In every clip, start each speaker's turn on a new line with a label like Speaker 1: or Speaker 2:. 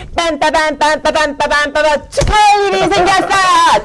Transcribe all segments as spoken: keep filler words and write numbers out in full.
Speaker 1: 빰빠밤빰빠밤빠밤빠밤 축하할 일이 생겼어요.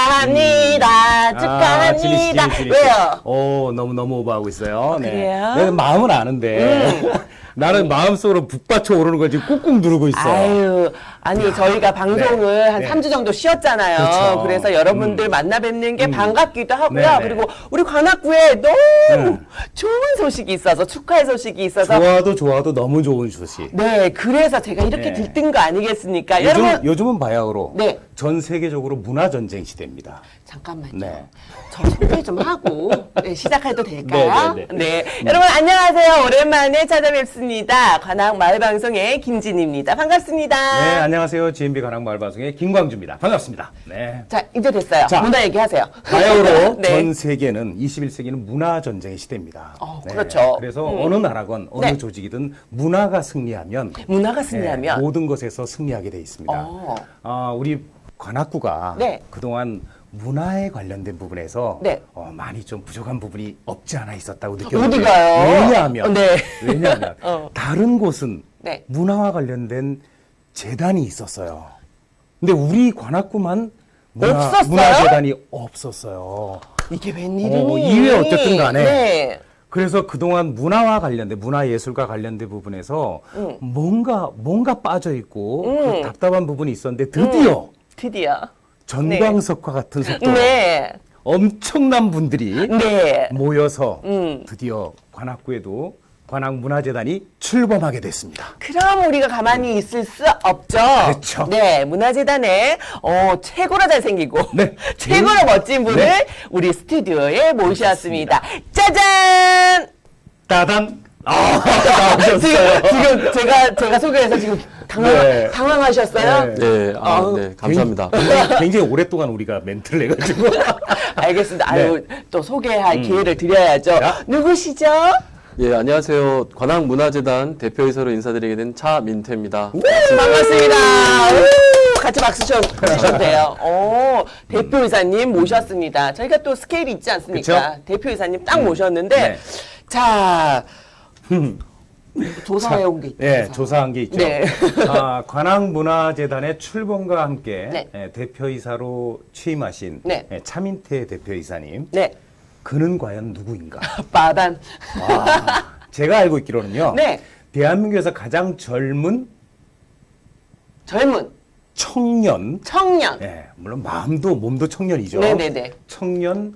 Speaker 1: 축하합니다. 축하합니다.
Speaker 2: 아, 지리 씨, 지리 씨, 지리 씨.
Speaker 1: 왜요?
Speaker 2: 오, 너무너무 오버하고 있어요. 네.
Speaker 1: 그래요?
Speaker 2: 내가 마음은 아는데.
Speaker 1: 음.
Speaker 2: 나는 마음속으로 북받쳐 오르는 걸 지금 꾹꾹 누르고 있어.
Speaker 1: 아유, 아니 저희가 방송을
Speaker 2: 네,
Speaker 1: 한
Speaker 2: 네.
Speaker 1: 삼 주 정도 쉬었잖아요.
Speaker 2: 그렇죠.
Speaker 1: 그래서 여러분들
Speaker 2: 음.
Speaker 1: 만나 뵙는 게
Speaker 2: 음.
Speaker 1: 반갑기도 하고요.
Speaker 2: 네, 네.
Speaker 1: 그리고 우리 관악구에 너무
Speaker 2: 네.
Speaker 1: 좋은 소식이 있어서 축하의 소식이 있어서
Speaker 2: 좋아도 좋아도 너무 좋은 소식.
Speaker 1: 네, 그래서 제가 이렇게
Speaker 2: 네.
Speaker 1: 들뜬 거 아니겠습니까?
Speaker 2: 요즘,
Speaker 1: 여러분
Speaker 2: 요즘은 바야흐로
Speaker 1: 네.
Speaker 2: 전 세계적으로 문화전쟁 시대입니다.
Speaker 1: 잠깐만요.
Speaker 2: 네.
Speaker 1: 저 소개 좀 하고 네, 시작해도 될까요?
Speaker 2: 네, 네,
Speaker 1: 네,
Speaker 2: 네.
Speaker 1: 여러분 안녕하세요. 오랜만에 찾아뵙습니다. 관악 마을방송의 김진입니다. 반갑습니다.
Speaker 2: 네, 안녕하세요. 지엠비 관악마을방송의 김광주입니다. 반갑습니다. 네.
Speaker 1: 자, 이제 됐어요.
Speaker 2: 자,
Speaker 1: 문화 얘기하세요.
Speaker 2: 바야흐로
Speaker 1: 네.
Speaker 2: 전 세계는 이십일 세기는 문화전쟁의 시대입니다.
Speaker 1: 어, 그렇죠.
Speaker 2: 그래서
Speaker 1: 음.
Speaker 2: 어느 나라건 어느
Speaker 1: 네.
Speaker 2: 조직이든 문화가 승리하면
Speaker 1: 문화가
Speaker 2: 네,
Speaker 1: 승리하면
Speaker 2: 모든 것에서 승리하게 돼 있습니다.
Speaker 1: 어.
Speaker 2: 아, 우리 관악구가
Speaker 1: 네.
Speaker 2: 그동안 문화에 관련된 부분에서
Speaker 1: 네.
Speaker 2: 어, 많이 좀 부족한 부분이 없지 않아 있었다고 느꼈는데
Speaker 1: 어디가요?
Speaker 2: 왜냐하면
Speaker 1: 네.
Speaker 2: 왜냐하면
Speaker 1: 어.
Speaker 2: 다른 곳은
Speaker 1: 네.
Speaker 2: 문화와 관련된 재단이 있었어요. 근데 우리 관악구만 문화,
Speaker 1: 없었어요?
Speaker 2: 문화재단이 없었어요.
Speaker 1: 이게 웬일이니?
Speaker 2: 어, 이외 어쨌든 간에
Speaker 1: 네.
Speaker 2: 그래서 그동안 문화와 관련된 문화예술과 관련된 부분에서
Speaker 1: 음.
Speaker 2: 뭔가 뭔가 빠져 있고
Speaker 1: 음.
Speaker 2: 그 답답한 부분이 있었는데 드디어
Speaker 1: 드디어.
Speaker 2: 전광석과 같은 속도로
Speaker 1: 네.
Speaker 2: 엄청난 분들이
Speaker 1: 네.
Speaker 2: 모여서
Speaker 1: 음.
Speaker 2: 드디어 관악구에도 관악문화재단이 출범하게 됐습니다.
Speaker 1: 그럼 우리가 가만히 있을 수 없죠.
Speaker 2: 그렇죠.
Speaker 1: 네, 문화재단에 어, 최고로 잘생기고
Speaker 2: 네.
Speaker 1: 최고로
Speaker 2: 음.
Speaker 1: 멋진 분을
Speaker 2: 네.
Speaker 1: 우리 스튜디오에 모셨습니다. 짜잔!
Speaker 2: 따단! 아,
Speaker 1: 지금,
Speaker 2: 나오셨어요.
Speaker 1: 지금 제가 제가 소개해서 지금 당황,
Speaker 2: 네.
Speaker 1: 당황하셨어요?
Speaker 2: 네.
Speaker 3: 네, 아,
Speaker 1: 어,
Speaker 3: 네, 감사합니다.
Speaker 2: 굉장히, 굉장히 오랫동안 우리가 멘트를 해가지고.
Speaker 1: 알겠습니다. 아유, 또 소개할
Speaker 2: 음.
Speaker 1: 기회를 드려야죠.
Speaker 2: 야.
Speaker 1: 누구시죠?
Speaker 3: 예, 안녕하세요. 관악문화재단 대표이사로 인사드리게 된 차민태입니다.
Speaker 1: 반갑습니다. 우, 같이 박수 쳐 주셔도 돼요. 오, 대표이사님 모셨습니다. 저희가 또 스케일이 있지 않습니까?
Speaker 2: 그쵸?
Speaker 1: 대표이사님 딱 모셨는데,
Speaker 2: 네.
Speaker 1: 자, 조사해 온 게 있죠.
Speaker 2: 네, 조사한 게 있죠.
Speaker 1: 네.
Speaker 2: 아, 관악문화재단의 출범과 함께
Speaker 1: 네.
Speaker 2: 예, 대표이사로 취임하신
Speaker 1: 네.
Speaker 2: 예, 차민태 대표이사님.
Speaker 1: 네,
Speaker 2: 그는 과연 누구인가?
Speaker 1: 빠단.
Speaker 2: 아, 제가 알고 있기로는요.
Speaker 1: 네.
Speaker 2: 대한민국에서 가장 젊은
Speaker 1: 젊은
Speaker 2: 청년,
Speaker 1: 청년.
Speaker 2: 예, 물론 마음도 몸도 청년이죠.
Speaker 1: 네네네.
Speaker 2: 청년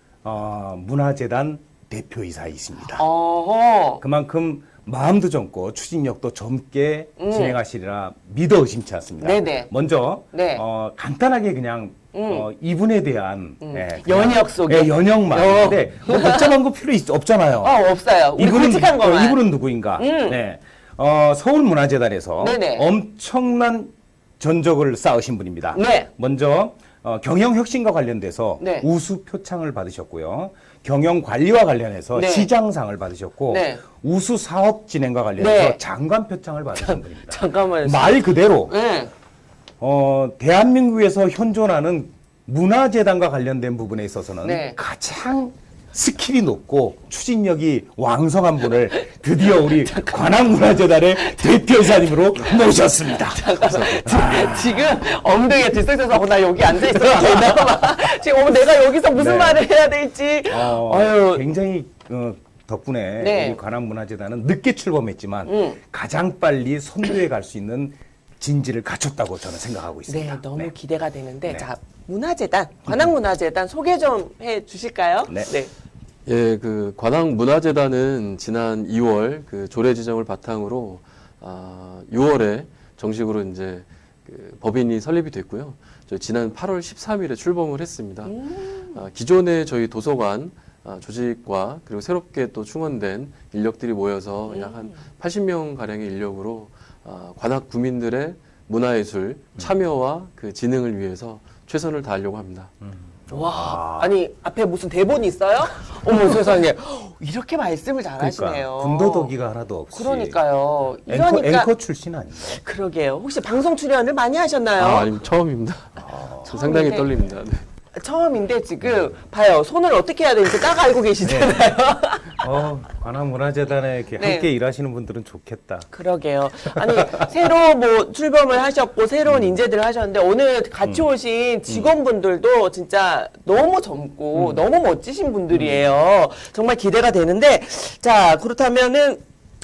Speaker 2: 어, 문화재단 대표이사이십니다.
Speaker 1: 어허.
Speaker 2: 그만큼 마음도 젊고 추진력도 젊게
Speaker 1: 음.
Speaker 2: 진행하시리라 믿어 의심치 않습니다.
Speaker 1: 네네.
Speaker 2: 먼저
Speaker 1: 네.
Speaker 2: 어, 간단하게 그냥 어, 이분에 대한 예, 그냥-
Speaker 1: 연역 속에.
Speaker 2: 예, 연역만.
Speaker 1: 어.
Speaker 2: 근데 뭐 복잡한 거 필요 있, 없잖아요.
Speaker 1: 어, 없어요. 우리 굵직한
Speaker 2: 어,
Speaker 1: 거만.
Speaker 2: 이분은 누구인가?
Speaker 1: 음.
Speaker 2: 네. 어, 서울문화재단에서
Speaker 1: 네네.
Speaker 2: 엄청난 전적을 쌓으신 분입니다.
Speaker 1: 네.
Speaker 2: 먼저 어, 경영혁신과 관련돼서
Speaker 1: 네.
Speaker 2: 우수 표창을 받으셨고요. 경영관리와 관련해서
Speaker 1: 네.
Speaker 2: 시장상을 받으셨고
Speaker 1: 네.
Speaker 2: 우수 사업 진행과 관련해서
Speaker 1: 네.
Speaker 2: 장관 표창을 받으신 분입니다.
Speaker 1: 잠깐만요.
Speaker 2: 말 그대로
Speaker 1: 네.
Speaker 2: 어, 대한민국에서 현존하는 문화재단과 관련된 부분에 있어서는
Speaker 1: 네.
Speaker 2: 가장 스킬이 높고 추진력이 왕성한 분을 드디어 우리 관악문화재단의 대표이사님으로 모셨습니다.
Speaker 1: 지- 지금 엉덩이에 들썩여서 어, 나 여기 앉아 있어도 되나 봐. 지금 어, 내가 여기서 무슨
Speaker 2: 네.
Speaker 1: 말을 해야 될지.
Speaker 2: 어,
Speaker 1: 아유.
Speaker 2: 굉장히 어, 덕분에
Speaker 1: 네.
Speaker 2: 우리 관악문화재단은 늦게 출범했지만
Speaker 1: 음.
Speaker 2: 가장 빨리 선두에 갈 수 있는 진지를 갖췄다고 저는 생각하고 있습니다.
Speaker 1: 네, 너무
Speaker 2: 네.
Speaker 1: 기대가 되는데
Speaker 2: 네.
Speaker 1: 자 문화재단 관악문화재단 소개 좀 해주실까요?
Speaker 2: 네.
Speaker 3: 예, 그 관악문화재단은 지난 이월 그 조례 지정을 바탕으로 아, 유월에 정식으로 이제 그 법인이 설립이 됐고요. 저 지난 팔월 십삼일에 출범을 했습니다. 아, 기존의 저희 도서관 아, 조직과 그리고 새롭게 또 충원된 인력들이 모여서 약 한 팔십 명 가량의 인력으로 아, 관악 구민들의 문화예술 참여와 그 진흥을 위해서 최선을 다하려고 합니다.
Speaker 1: 와 아니 앞에 무슨 대본이 있어요? 어머 세상에 이렇게 말씀을 잘하시네요.
Speaker 2: 그러니까 군더더기가 하나도 없이
Speaker 1: 그러니까요.
Speaker 2: 앵커,
Speaker 1: 이러니까
Speaker 2: 앵커 출신 아닌가요?
Speaker 1: 그러게요. 혹시 방송 출연을 많이 하셨나요?
Speaker 3: 아, 아니 처음입니다. 상당히
Speaker 1: 처음인데.
Speaker 3: 떨립니다. 네.
Speaker 1: 처음인데 지금 봐요. 손을 어떻게 해야 되는지 딱 알고 계시잖아요.
Speaker 2: 어, 관악문화재단에 이렇게
Speaker 1: 네.
Speaker 2: 함께 일하시는 분들은 좋겠다.
Speaker 1: 그러게요. 아니 새로 뭐 출범을 하셨고 새로운 인재들을 하셨는데 오늘 같이 오신 직원분들도 진짜 너무 젊고 너무 멋지신 분들이에요. 정말 기대가 되는데 자 그렇다면은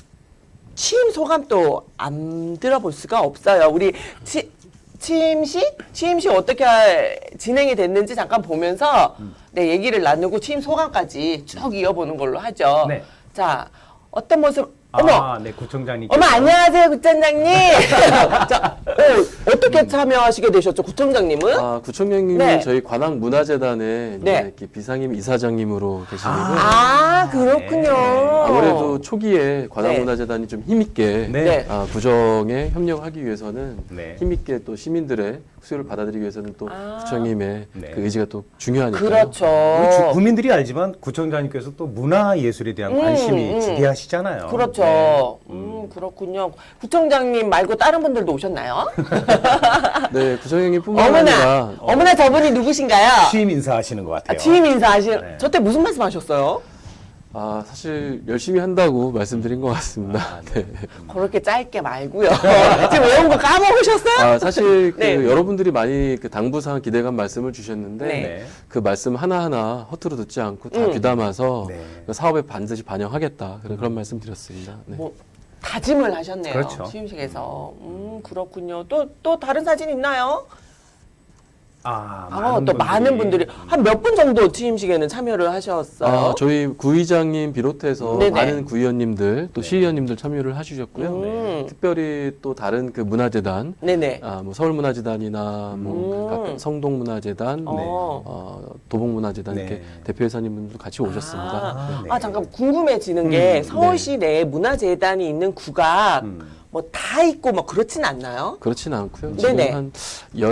Speaker 1: 취임 소감도 안 들어볼 수가 없어요. 우리 치, 취임식? 취임식 어떻게 진행이 됐는지 잠깐 보면서 네, 얘기를 나누고 취임 소감까지 쭉 이어보는 걸로 하죠.
Speaker 2: 네.
Speaker 1: 자, 어떤 모습, 어머!
Speaker 2: 아, 네, 구청장님.
Speaker 1: 어머, 안녕하세요, 구청장님! 자, 어, 어떻게 참여하시게 되셨죠, 구청장님은?
Speaker 3: 아, 구청장님은
Speaker 1: 네.
Speaker 3: 저희 관악문화재단의 이제
Speaker 1: 네.
Speaker 3: 이렇게 비상임 이사장님으로 계시고요.
Speaker 1: 아, 그렇군요.
Speaker 3: 아무래도 초기에 관악문화재단이 좀 힘있게
Speaker 2: 네.
Speaker 1: 네.
Speaker 3: 아, 구정에 협력하기 위해서는
Speaker 2: 네.
Speaker 3: 힘있게 또 시민들의 수요를 받아들이기 위해서는 또
Speaker 1: 아.
Speaker 3: 구청님의
Speaker 2: 네.
Speaker 3: 그 의지가 또 중요하니까요.
Speaker 1: 그렇죠.
Speaker 2: 우리 주- 국민들이 알지만 구청장님께서 또 문화예술에 대한 관심이
Speaker 1: 음, 음.
Speaker 2: 지대하시잖아요.
Speaker 1: 그렇죠.
Speaker 2: 네.
Speaker 1: 음, 그렇군요. 구청장님 말고 다른 분들도 오셨나요?
Speaker 3: 네, 구청장님뿐만
Speaker 1: 어머나,
Speaker 3: 아니라
Speaker 1: 어머나 저분이 누구신가요?
Speaker 2: 취임 인사하시는 것 같아요.
Speaker 1: 아, 취임 인사하신,
Speaker 2: 네.
Speaker 1: 저때 무슨 말씀 하셨어요?
Speaker 3: 아, 사실 열심히 한다고 말씀드린 것 같습니다.
Speaker 2: 아,
Speaker 3: 네.
Speaker 1: 그렇게 짧게 말고요. 지금 외운 거 까먹으셨어요?
Speaker 3: 아, 사실 그
Speaker 1: 네.
Speaker 3: 여러분들이 많이 그 당부사항 기대감 말씀을 주셨는데
Speaker 1: 네.
Speaker 2: 네.
Speaker 3: 그 말씀 하나하나 허투루 듣지 않고 다
Speaker 1: 음.
Speaker 3: 귀담아서
Speaker 2: 네.
Speaker 3: 그 사업에 반드시 반영하겠다. 그런 그런 말씀 드렸습니다. 네.
Speaker 1: 뭐, 다짐을 하셨네요.
Speaker 2: 그렇죠.
Speaker 1: 취임식에서. 음, 그렇군요. 또, 또 다른 사진 있나요?
Speaker 2: 아,
Speaker 1: 아, 또 많은 분들이. 한 몇 분 정도 취임식에는 참여를 하셨어요?
Speaker 3: 아, 저희 구의장님 비롯해서
Speaker 1: 네네.
Speaker 3: 많은 구의원님들 또
Speaker 2: 네.
Speaker 3: 시의원님들 참여를 해주셨고요.
Speaker 1: 음.
Speaker 3: 특별히 또 다른 그 문화재단,
Speaker 1: 네네.
Speaker 3: 아, 뭐 서울문화재단이나 뭐
Speaker 1: 음.
Speaker 3: 각각 성동문화재단,
Speaker 1: 어.
Speaker 3: 어, 도봉문화재단
Speaker 2: 네.
Speaker 3: 이렇게 대표이사님들도 같이 오셨습니다.
Speaker 1: 아,
Speaker 2: 네.
Speaker 1: 아, 잠깐 궁금해지는 게
Speaker 2: 음,
Speaker 1: 서울시 내에 문화재단이 있는 구가
Speaker 2: 음.
Speaker 1: 뭐 다 있고 뭐 그렇진 않나요?
Speaker 3: 그렇진 않고요.
Speaker 1: 네네.
Speaker 3: 지금 한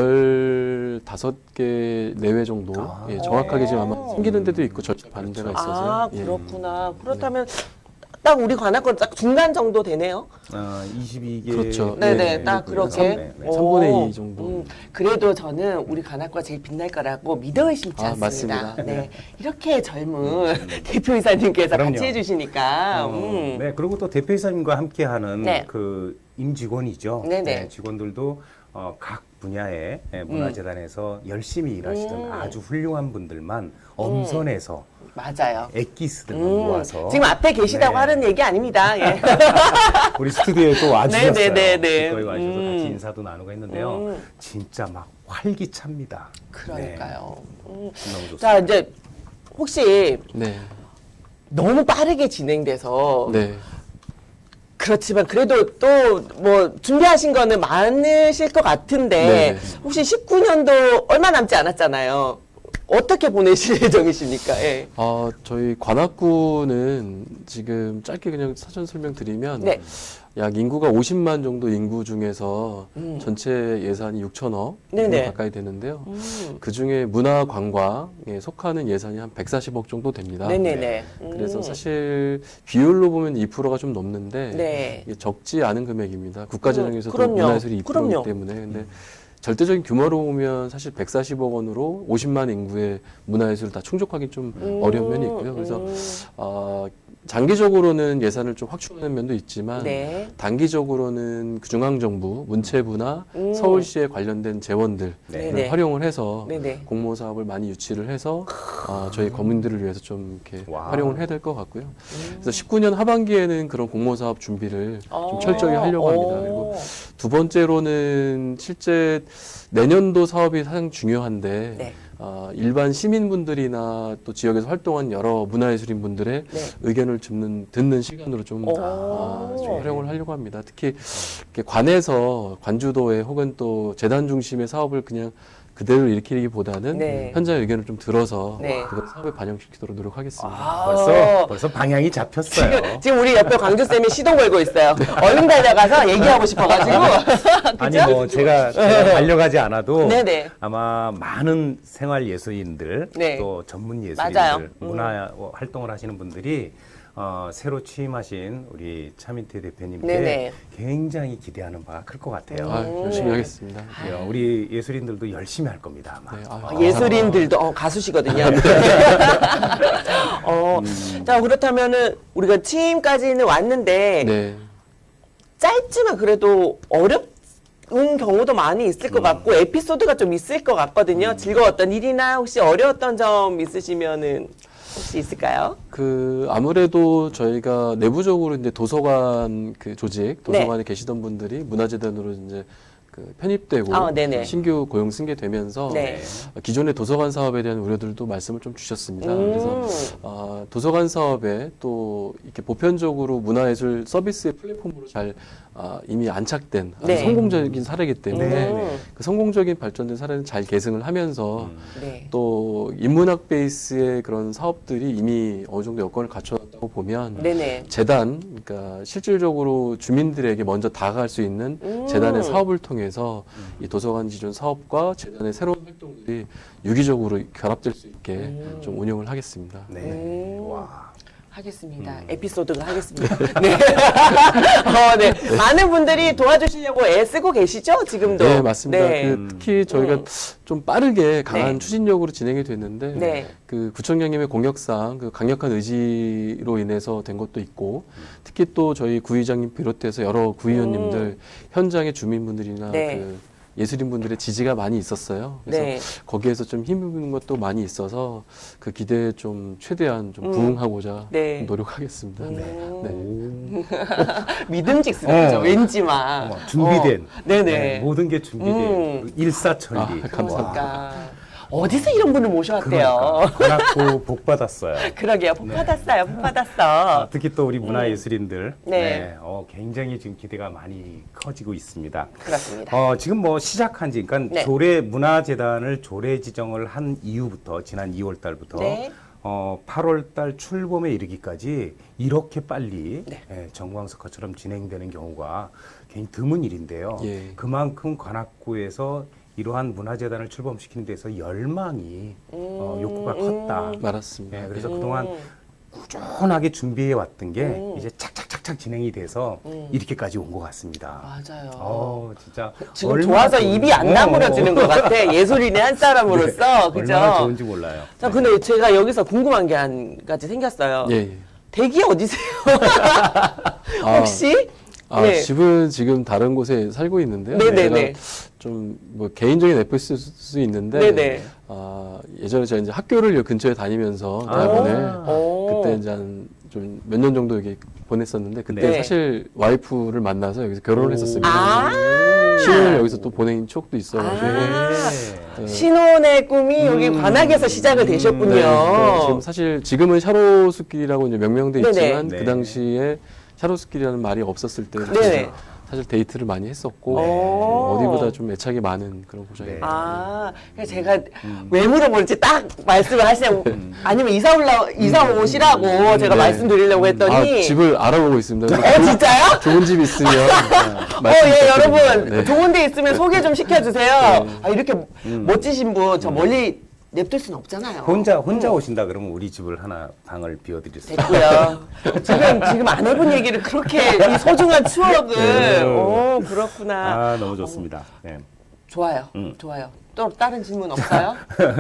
Speaker 3: 열다섯 개 내외 정도
Speaker 2: 아.
Speaker 3: 예, 정확하게 지금 아마
Speaker 1: 오.
Speaker 3: 생기는 데도 있고 절차 받는 데가 있어서요.
Speaker 1: 아,
Speaker 3: 예.
Speaker 1: 그렇구나. 그렇다면 딱 우리 관악권 딱 중간 정도 되네요.
Speaker 2: 아, 이십이 개.
Speaker 3: 그렇죠.
Speaker 1: 네네,
Speaker 3: 네,
Speaker 1: 딱
Speaker 3: 네,
Speaker 1: 그렇게.
Speaker 2: 네, 네.
Speaker 1: 오.
Speaker 3: 삼분의 이 정도.
Speaker 1: 음, 그래도 저는 우리 관악과 제일 빛날 거라고 믿어 의심치
Speaker 3: 아,
Speaker 1: 않습니다.
Speaker 3: 맞습니다.
Speaker 1: 네. 이렇게 젊은 대표이사님께서
Speaker 2: 그럼요.
Speaker 1: 같이 해주시니까.
Speaker 2: 어,
Speaker 1: 음.
Speaker 2: 네, 그리고 또 대표이사님과 함께하는
Speaker 1: 네.
Speaker 2: 그 임직원이죠.
Speaker 1: 네네.
Speaker 2: 직원들도 어, 각 분야의 예, 문화재단에서 열심히 일하시던
Speaker 1: 음.
Speaker 2: 아주 훌륭한 분들만 엄선해서
Speaker 1: 맞아요.
Speaker 2: 엑기스들만
Speaker 1: 음,
Speaker 2: 모아서
Speaker 1: 지금 앞에 계시다고
Speaker 2: 네.
Speaker 1: 하는 얘기 아닙니다. 예.
Speaker 2: 우리 스튜디오에 또 와주셨어요.
Speaker 1: 네, 네, 네, 네.
Speaker 2: 기꺼이 와주셔서
Speaker 1: 음.
Speaker 2: 같이 인사도 나누고 했는데요.
Speaker 1: 음.
Speaker 2: 진짜 막 활기찹니다.
Speaker 1: 그러니까요. 음.
Speaker 2: 네, 너무 좋습니다.
Speaker 1: 자, 이제 혹시
Speaker 3: 네.
Speaker 1: 너무 빠르게 진행돼서
Speaker 3: 네.
Speaker 1: 그렇지만 그래도 또 뭐 준비하신 거는 많으실 것 같은데
Speaker 3: 네네.
Speaker 1: 혹시 십구 년도 얼마 남지 않았잖아요. 어떻게 보내실 예정이십니까? 예.
Speaker 3: 아, 저희 관악구는 지금 짧게 그냥 사전 설명드리면
Speaker 1: 네.
Speaker 3: 약 인구가 오십만 정도 인구 중에서
Speaker 1: 음.
Speaker 3: 전체 예산이 육천억
Speaker 1: 네네.
Speaker 3: 가까이 되는데요.
Speaker 1: 음.
Speaker 3: 그 중에 문화 관광에 속하는 예산이 한 백사십억 정도 됩니다.
Speaker 1: 네네네. 음.
Speaker 3: 그래서 사실 비율로 보면 이 퍼센트가 좀 넘는데
Speaker 1: 네.
Speaker 3: 이게 적지 않은 금액입니다. 국가 재정에서도
Speaker 1: 그럼요.
Speaker 3: 문화예술이 이
Speaker 1: 그럼요.
Speaker 3: 퍼센트이기 때문에 근데 절대적인 규모로 보면 사실 백사십억 원으로 오십만 인구의 문화예술을 다 충족하기 좀
Speaker 1: 음.
Speaker 3: 어려운 면이 있고요. 그래서
Speaker 1: 음.
Speaker 3: 어, 장기적으로는 예산을 좀 확충하는 면도 있지만
Speaker 1: 네.
Speaker 3: 단기적으로는 그 중앙정부, 문체부나
Speaker 1: 음.
Speaker 3: 서울시에 관련된 재원들을
Speaker 1: 네네.
Speaker 3: 활용을 해서
Speaker 1: 네네.
Speaker 3: 공모 사업을 많이 유치를 해서 어, 저희 거민들을 위해서 좀 이렇게
Speaker 2: 와우.
Speaker 3: 활용을 해야 될 것 같고요. 그래서 십구 년 하반기에는 그런 공모 사업 준비를
Speaker 1: 어.
Speaker 3: 좀 철저히 하려고 합니다.
Speaker 1: 오.
Speaker 3: 그리고 두 번째로는 실제 내년도 사업이 가장 중요한데
Speaker 1: 네.
Speaker 3: 어, 일반 시민분들이나 또 지역에서 활동한 여러 문화예술인 분들의
Speaker 1: 네.
Speaker 3: 의견을 듣는, 듣는 시간으로 좀,
Speaker 1: 오.
Speaker 3: 아, 좀 활용을 하려고 합니다. 특히 이렇게 관에서 관주도에 혹은 또 재단 중심의 사업을 그냥 그대로 일으키기보다는
Speaker 1: 네.
Speaker 3: 현장의 의견을 좀 들어서
Speaker 1: 네.
Speaker 3: 그걸 사업에 반영시키도록 노력하겠습니다.
Speaker 1: 아.
Speaker 2: 벌써 벌써 방향이 잡혔어요.
Speaker 1: 지금, 지금 우리 옆에 광주 쌤이 시동 걸고 있어요. 얼른 달려가서 얘기하고 싶어가지고.
Speaker 2: 아니 뭐 제가, 제가 달려가지 않아도
Speaker 1: 네네.
Speaker 2: 아마 많은 생활 예술인들
Speaker 1: 네.
Speaker 2: 또 전문
Speaker 1: 맞아요.
Speaker 2: 예술인들
Speaker 1: 음.
Speaker 2: 문화 활동을 하시는 분들이 어, 새로 취임하신 우리 차민태 대표님께
Speaker 1: 네네.
Speaker 2: 굉장히 기대하는 바가 클 것 같아요.
Speaker 3: 아, 열심히 하겠습니다.
Speaker 2: 예, 우리 예술인들도 열심히 할 겁니다. 아마.
Speaker 3: 네, 아,
Speaker 1: 어, 예술인들도 어, 가수시거든요. 어, 자 그렇다면은 우리가 취임까지는 왔는데
Speaker 3: 네.
Speaker 1: 짧지만 그래도 어렵은 경우도 많이 있을 것 같고 에피소드가 좀 있을 것 같거든요. 즐거웠던 일이나 혹시 어려웠던 점 있으시면은 혹시 있을까요?
Speaker 3: 그 아무래도 저희가 내부적으로 이제 도서관 그 조직, 도서관에 계시던 분들이 문화재단으로 이제 그 편입되고
Speaker 1: 아, 네네.
Speaker 3: 신규 고용 승계되면서
Speaker 1: 네.
Speaker 3: 기존의 도서관 사업에 대한 우려들도 말씀을 좀 주셨습니다.
Speaker 1: 음.
Speaker 3: 그래서 어, 도서관 사업에 또 이렇게 보편적으로 문화예술 서비스의 플랫폼으로 잘 아, 이미 안착된 아주
Speaker 1: 네.
Speaker 3: 성공적인 사례이기 때문에
Speaker 2: 네, 네.
Speaker 3: 그 성공적인 발전된 사례는 잘 계승을 하면서
Speaker 1: 네.
Speaker 3: 또 인문학 베이스의 그런 사업들이 이미 어느 정도 여건을 갖춰놨다고 보면
Speaker 1: 네네.
Speaker 3: 재단, 그러니까 실질적으로 주민들에게 먼저 다가갈 수 있는
Speaker 1: 음.
Speaker 3: 재단의 사업을 통해서 이 도서관 기존 사업과 재단의 새로운 활동들이 유기적으로 결합될 수 있게
Speaker 1: 음.
Speaker 3: 좀 운영을 하겠습니다.
Speaker 2: 네.
Speaker 1: 음.
Speaker 2: 와.
Speaker 1: 하겠습니다. 에피소드가 하겠습니다. 네. 어, 네. 많은 분들이 도와주시려고 애쓰고 계시죠? 지금도.
Speaker 3: 네, 맞습니다.
Speaker 1: 네.
Speaker 3: 그 특히 저희가
Speaker 1: 음.
Speaker 3: 좀 빠르게 강한
Speaker 1: 네.
Speaker 3: 추진력으로 진행이 됐는데
Speaker 1: 네.
Speaker 3: 그 구청장님의 공약상 그 강력한 의지로 인해서 된 것도 있고 특히 또 저희 구의장님 비롯해서 여러 구의원님들
Speaker 1: 음.
Speaker 3: 현장의 주민분들이나
Speaker 1: 네.
Speaker 3: 그 예술인분들의 지지가 많이 있었어요. 그래서
Speaker 1: 네.
Speaker 3: 거기에서 좀 힘입는 것도 많이 있어서 그 기대에 좀 최대한 좀
Speaker 1: 음.
Speaker 3: 부응하고자
Speaker 1: 네.
Speaker 3: 노력하겠습니다.
Speaker 1: 음.
Speaker 3: 네.
Speaker 1: 믿음직스럽죠.
Speaker 2: 어.
Speaker 1: 왠지만.
Speaker 2: 어, 준비된.
Speaker 1: 어. 네네.
Speaker 2: 네, 모든 게 준비된.
Speaker 1: 음.
Speaker 2: 일사천리.
Speaker 3: 아, 감사합니다.
Speaker 1: 그러니까. 어디서 이런 분을 모셔왔대요?
Speaker 2: 그러니까. 받고 복 받았어요.
Speaker 1: 그러게요. 복
Speaker 2: 네.
Speaker 1: 받았어요. 복 받았어.
Speaker 2: 아, 특히 또 우리 문화예술인들
Speaker 1: 네.
Speaker 2: 네, 어, 굉장히 지금 기대가 많이 커지고 있습니다.
Speaker 1: 그렇습니다.
Speaker 2: 어, 지금 뭐 시작한 지, 그러니까
Speaker 1: 네.
Speaker 2: 조례 문화재단을 조례 지정을 한 이후부터 지난 이월 달부터
Speaker 1: 네.
Speaker 2: 어, 팔월 달 출범에 이르기까지 이렇게 빨리
Speaker 1: 네.
Speaker 2: 예, 정광석화처럼 진행되는 경우가 굉장히 드문 일인데요.
Speaker 3: 예.
Speaker 2: 그만큼 관악구에서 이러한 문화재단을 출범시키는 데서 열망이 어, 욕구가 컸다.
Speaker 3: 말았습니다.
Speaker 2: 예, 그래서
Speaker 1: 음.
Speaker 2: 그동안 꾸준하게 준비해 왔던 게
Speaker 1: 음.
Speaker 2: 이제 착착착착 진행이 돼서
Speaker 1: 음.
Speaker 2: 이렇게까지 온 것 같습니다.
Speaker 1: 맞아요.
Speaker 2: 어, 진짜
Speaker 1: 지금
Speaker 2: 얼마나
Speaker 1: 좋아서
Speaker 2: 좋은-
Speaker 1: 입이 안
Speaker 2: 어,
Speaker 1: 다물어지는 것 같아. 예술인의 한 사람으로서. 그죠?
Speaker 2: 얼마나 좋은지 몰라요.
Speaker 1: 자, 근데 제가 여기서 궁금한 게 한 가지 생겼어요.
Speaker 3: 예, 예.
Speaker 1: 댁이 어디세요?
Speaker 3: 아,
Speaker 1: 혹시?
Speaker 3: 아,
Speaker 1: 네.
Speaker 3: 집은 지금 다른 곳에 살고 있는데요.
Speaker 1: 네네네.
Speaker 3: 좀 뭐 개인적인 에피소드일 수 있는데
Speaker 1: 네네.
Speaker 3: 아, 예전에 제가 이제 학교를 근처에 다니면서
Speaker 2: 아.
Speaker 3: 대학원에
Speaker 1: 오.
Speaker 3: 그때 이제 한 좀 몇 년 정도 여기 보냈었는데 그때
Speaker 1: 네.
Speaker 3: 사실 와이프를 만나서 여기서 결혼을 했었습니다.
Speaker 1: 아.
Speaker 3: 신혼을 여기서 또 보낸 추억도 있어가지고
Speaker 1: 아.
Speaker 2: 네.
Speaker 1: 신혼의 꿈이 여기
Speaker 2: 음.
Speaker 1: 관악에서 시작을 되셨군요.
Speaker 3: 네, 그러니까 지금 사실 지금은 샤로스길이라고 이제 명명돼
Speaker 1: 네네.
Speaker 3: 있지만
Speaker 2: 네.
Speaker 3: 그 당시에 샤로스길이라는 말이 없었을 때
Speaker 1: 네네.
Speaker 3: 사실 데이트를 많이 했었고
Speaker 1: 네.
Speaker 3: 어디보다 좀 애착이 많은 그런 고장이에요.
Speaker 2: 네.
Speaker 1: 아, 그래서 제가 왜 물어보는지 딱 말씀을 하시냐고. 아니면 이사 올라, 이사 오시라고 제가
Speaker 3: 네.
Speaker 1: 말씀드리려고 했더니.
Speaker 3: 아, 집을 알아보고 있습니다.
Speaker 1: 어, 진짜요?
Speaker 3: 좋은 집 있으면
Speaker 1: 어,
Speaker 3: 말씀
Speaker 1: 예,
Speaker 3: 부탁드립니다.
Speaker 1: 여러분.
Speaker 3: 네.
Speaker 1: 좋은 데 있으면 소개 좀 시켜주세요. 아, 이렇게 멋지신 분, 저 멀리 냅둘 수는 없잖아요.
Speaker 2: 혼자 혼자 오신다 그러면 우리 집을 하나 방을 비워드릴 수 있어요.
Speaker 1: 됐고요. 지금, 지금 안 해본 얘기를 그렇게 이 소중한 추억을.
Speaker 2: 네.
Speaker 1: 오, 그렇구나.
Speaker 2: 아 너무 좋습니다. 네.
Speaker 1: 좋아요.
Speaker 2: 음.
Speaker 1: 좋아요. 또 다른 질문 없어요?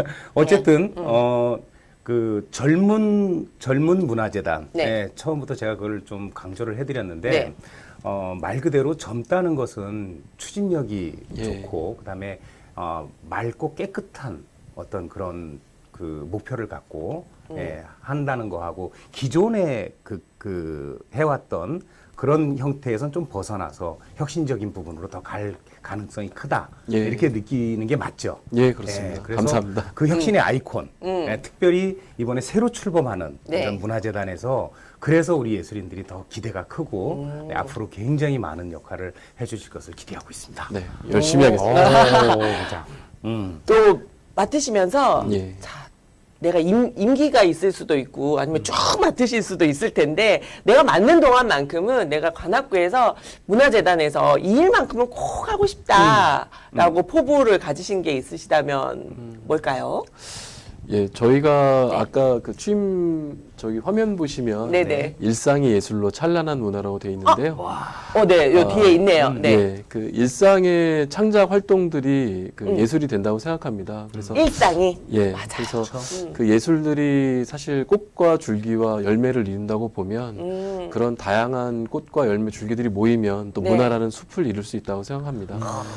Speaker 2: 어쨌든 어. 그 젊은 젊은 문화재단
Speaker 1: 네.
Speaker 2: 네, 처음부터 제가 그걸 좀 강조를 해드렸는데
Speaker 1: 네.
Speaker 2: 어, 말 그대로 젊다는 것은 추진력이
Speaker 3: 예.
Speaker 2: 좋고 그다음에 어, 맑고 깨끗한 어떤 그런 그 목표를 갖고
Speaker 1: 음.
Speaker 2: 예, 한다는 거하고 기존에 그, 그 해왔던 그런 형태에선 좀 벗어나서 혁신적인 부분으로 더 갈 가능성이 크다
Speaker 3: 예.
Speaker 2: 이렇게 느끼는 게 맞죠.
Speaker 3: 예, 그렇습니다.
Speaker 2: 예, 그래서
Speaker 3: 감사합니다.
Speaker 2: 그 혁신의 아이콘,
Speaker 1: 음.
Speaker 2: 예, 특별히 이번에 새로 출범하는
Speaker 1: 네.
Speaker 2: 이런 문화재단에서 그래서 우리 예술인들이 더 기대가 크고
Speaker 1: 음.
Speaker 2: 네, 앞으로 굉장히 많은 역할을 해주실 것을 기대하고 있습니다.
Speaker 3: 네, 열심히
Speaker 1: 오.
Speaker 3: 하겠습니다.
Speaker 2: 오, 자, 음.
Speaker 1: 또 맡으시면서
Speaker 3: 예.
Speaker 1: 자, 내가 임, 임기가 있을 수도 있고 아니면 쭉 맡으실 수도 있을 텐데 내가 맡는 동안만큼은 내가 관악구에서 문화재단에서 이 일만큼은 꼭 하고 싶다라고 포부를 가지신 게 있으시다면 뭘까요?
Speaker 3: 예, 저희가
Speaker 1: 네.
Speaker 3: 아까 그 취임 저기 화면 보시면
Speaker 1: 네네.
Speaker 3: 일상이 예술로 찬란한 문화라고 되어 있는데요.
Speaker 1: 어, 네, 요 뒤에 있네요. 네.
Speaker 3: 네, 그 일상의 창작 활동들이 그
Speaker 1: 음.
Speaker 3: 예술이 된다고 생각합니다. 그래서
Speaker 1: 일상이.
Speaker 3: 예,
Speaker 1: 맞아요.
Speaker 3: 그래서
Speaker 1: 음.
Speaker 3: 그 예술들이 사실 꽃과 줄기와 열매를 이룬다고 보면
Speaker 1: 음.
Speaker 3: 그런 다양한 꽃과 열매, 줄기들이 모이면 또
Speaker 1: 네.
Speaker 3: 문화라는 숲을 이룰 수 있다고 생각합니다.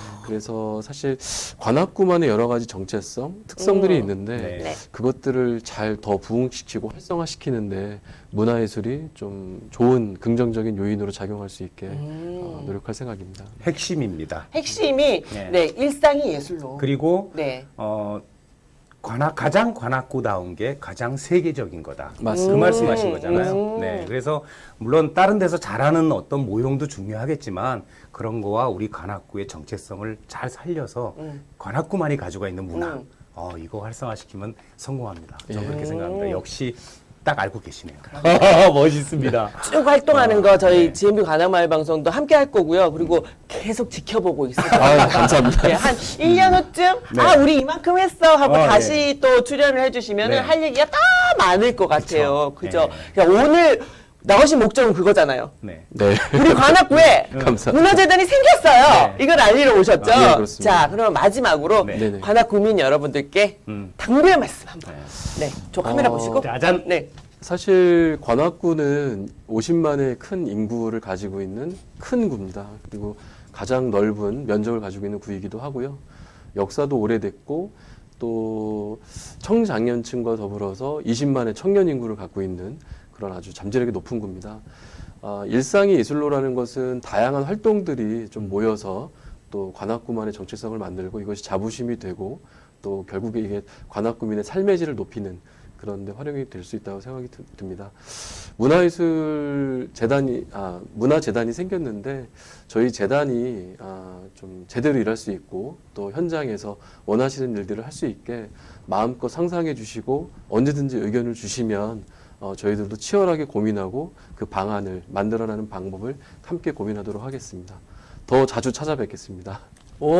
Speaker 3: 그래서 사실 관악구만의 여러 가지 정체성, 특성들이
Speaker 1: 음.
Speaker 3: 있는데
Speaker 2: 네.
Speaker 1: 네.
Speaker 3: 그것들을 잘 더 부흥시키고 활성화시키는데 문화예술이 좀 좋은 긍정적인 요인으로 작용할 수 있게
Speaker 1: 음.
Speaker 3: 어, 노력할 생각입니다.
Speaker 2: 핵심입니다.
Speaker 1: 핵심이
Speaker 2: 네.
Speaker 1: 네, 일상이 예술로.
Speaker 2: 그리고
Speaker 1: 네.
Speaker 2: 어, 관악, 가장 관악구다운 게 가장 세계적인 거다.
Speaker 3: 맞습니다.
Speaker 2: 그 말씀하신
Speaker 1: 음.
Speaker 2: 거잖아요.
Speaker 1: 음.
Speaker 2: 네, 그래서 물론 다른 데서 잘하는 어떤 모형도 중요하겠지만 그런 거와 우리 관악구의 정체성을 잘 살려서
Speaker 1: 음.
Speaker 2: 관악구만이 가지고 있는 문화,
Speaker 1: 음.
Speaker 2: 어, 이거 활성화시키면 성공합니다. 저는
Speaker 3: 예.
Speaker 2: 그렇게 생각합니다.
Speaker 1: 음.
Speaker 2: 역시 딱 알고 계시네요. 멋있습니다.
Speaker 1: 쭉 활동하는 거 저희
Speaker 2: 네.
Speaker 1: 지엠비 관악마을 방송도 함께 할 거고요. 그리고 계속 지켜보고 있을 거예요.
Speaker 3: 아유, 감사합니다.
Speaker 1: 네, 한 일 년 후쯤
Speaker 2: 네.
Speaker 1: 아 우리 이만큼 했어 하고
Speaker 2: 어,
Speaker 1: 다시 또 출연을 해주시면
Speaker 2: 네.
Speaker 1: 할 얘기가 다 많을 것 같아요.
Speaker 2: 그쵸.
Speaker 1: 그죠? 그러니까 오늘 나오신 목적은 그거잖아요.
Speaker 2: 네.
Speaker 3: 네.
Speaker 1: 우리 관악구에
Speaker 3: 감사합니다.
Speaker 1: 문화재단이 생겼어요.
Speaker 2: 네.
Speaker 1: 이걸 알리러 오셨죠?
Speaker 3: 아, 네, 그렇습니다.
Speaker 1: 자, 그럼 마지막으로
Speaker 2: 네.
Speaker 3: 네네.
Speaker 1: 관악구민 여러분들께
Speaker 2: 음.
Speaker 1: 당부의 말씀 한번.
Speaker 2: 네.
Speaker 1: 네, 저 카메라
Speaker 3: 어,
Speaker 1: 보시고.
Speaker 2: 짜잔.
Speaker 1: 네.
Speaker 3: 사실 관악구는 오십만의 큰 인구를 가지고 있는 큰 구입니다. 그리고 가장 넓은 면적을 가지고 있는 구이기도 하고요. 역사도 오래됐고 또 청장년층과 더불어서 이십만의 청년 인구를 갖고 있는 그런 아주 잠재력이 높은 구입니다. 아, 일상이 예술로라는 것은 다양한 활동들이 좀 모여서 또 관악구만의 정체성을 만들고 이것이 자부심이 되고 또 결국에 이게 관악구민의 삶의 질을 높이는 그런 데 활용이 될 수 있다고 생각이 드- 듭니다. 문화예술 재단이, 아, 문화재단이 생겼는데 저희 재단이 아, 좀 제대로 일할 수 있고 또 현장에서 원하시는 일들을 할 수 있게 마음껏 상상해 주시고 언제든지 의견을 주시면 어, 저희들도 치열하게 고민하고 그 방안을 만들어내는 방법을 함께 고민하도록 하겠습니다. 더 자주 찾아뵙겠습니다.
Speaker 1: 오.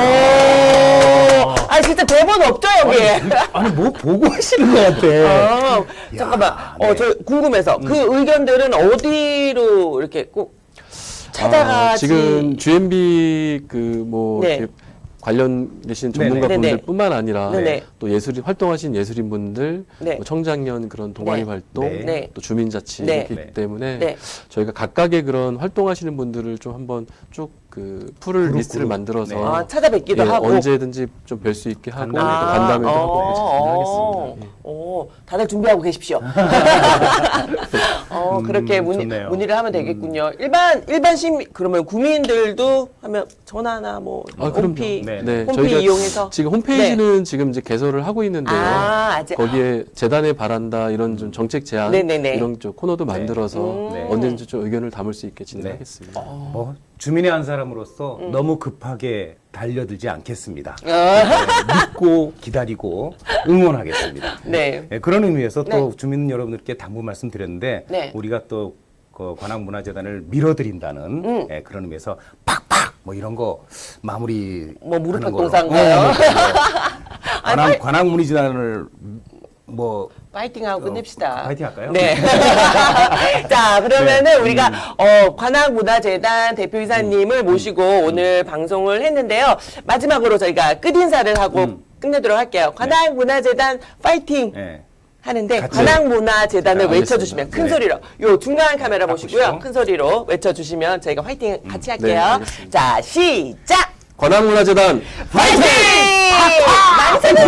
Speaker 1: 아 진짜 대본 없죠 여기에.
Speaker 2: 아니, 뭐 보고 하시는 것 같아.
Speaker 1: 어, 잠깐만.
Speaker 2: 네.
Speaker 1: 어, 저 궁금해서 그 의견들은 어디로 이렇게 꼭 찾아가지?
Speaker 3: 아, 지금 지엠비 그뭐
Speaker 1: 네.
Speaker 3: 관련되신
Speaker 2: 네네.
Speaker 3: 전문가분들뿐만 아니라
Speaker 1: 네네.
Speaker 3: 또 예술인 활동하시는 예술인분들,
Speaker 1: 네.
Speaker 3: 뭐 청장년 그런 동아리
Speaker 1: 네.
Speaker 3: 활동,
Speaker 1: 네.
Speaker 3: 또 주민자치
Speaker 1: 네.
Speaker 3: 이렇기
Speaker 2: 네.
Speaker 3: 때문에
Speaker 1: 네.
Speaker 3: 저희가 각각의 그런 활동하시는 분들을 좀 한번 쭉 그 풀을
Speaker 2: 그룹,
Speaker 3: 리스트를
Speaker 2: 그룹.
Speaker 3: 만들어서
Speaker 2: 네.
Speaker 1: 아, 찾아뵙기도
Speaker 3: 예,
Speaker 1: 하고.
Speaker 3: 언제든지 좀 뵐 수 있게 하고 또
Speaker 2: 간담회도
Speaker 3: 간담회도
Speaker 1: 아,
Speaker 3: 하고
Speaker 1: 어,
Speaker 3: 하겠습니다. 예.
Speaker 1: 어, 다들 준비하고 계십시오. 어, 그렇게
Speaker 2: 음,
Speaker 1: 문의,
Speaker 2: 좋네요.
Speaker 1: 문의를 하면 되겠군요. 일반, 일반 시민, 그러면 구민들도 하면 전화나 뭐,
Speaker 3: 아, 그럼요.
Speaker 1: 홈피,
Speaker 2: 네.
Speaker 3: 네,
Speaker 1: 홈피
Speaker 3: 저희가
Speaker 1: 이용해서.
Speaker 3: 지금 홈페이지는 지금 이제 개설을 하고 있는데요.
Speaker 1: 아, 아직.
Speaker 3: 거기에 재단에 바란다 이런 좀 정책 제안
Speaker 1: 네네네.
Speaker 3: 이런 좀 코너도 만들어서
Speaker 1: 음.
Speaker 2: 네.
Speaker 3: 언제든지 좀 의견을 담을 수 있게 진행하겠습니다.
Speaker 2: 뭐 주민의 한 사람으로서 너무 급하게 달려들지 않겠습니다.
Speaker 1: 어,
Speaker 2: 네, 믿고 기다리고 응원하겠습니다.
Speaker 1: 네.
Speaker 2: 네, 그런 의미에서 또
Speaker 1: 네.
Speaker 2: 주민 여러분들께 당부 말씀드렸는데
Speaker 1: 네.
Speaker 2: 우리가 또 그 관악문화재단을 밀어드린다는
Speaker 1: 음.
Speaker 2: 네, 그런 의미에서 팍팍 뭐 이런 거 마무리
Speaker 1: 뭐 무릎
Speaker 2: 하는 걸로.
Speaker 1: 박동사인가요?
Speaker 2: 어, 뭐 그런 거. 관악, 관악문화재단을 뭐
Speaker 1: 파이팅하고 끝냅시다.
Speaker 2: 어, 파이팅 할까요?
Speaker 1: 네. 자, 그러면은
Speaker 2: 네.
Speaker 1: 우리가 어, 관악문화재단 대표이사님을 모시고 오늘 방송을 했는데요. 마지막으로 저희가 끝인사를 하고
Speaker 2: 음.
Speaker 1: 끝내도록 할게요. 관악문화재단 파이팅!
Speaker 2: 네.
Speaker 1: 하는데
Speaker 2: 같이.
Speaker 1: 관악문화재단을
Speaker 3: 네,
Speaker 1: 외쳐주시면
Speaker 3: 알겠습니다.
Speaker 1: 큰
Speaker 2: 네.
Speaker 1: 소리로 요 중간 카메라 보시고요.
Speaker 2: 보시고.
Speaker 1: 큰 소리로 외쳐주시면 저희가 화이팅 같이 할게요.
Speaker 3: 알겠습니다.
Speaker 1: 자, 시작!
Speaker 3: 관악문화재단
Speaker 1: 파이팅! 많이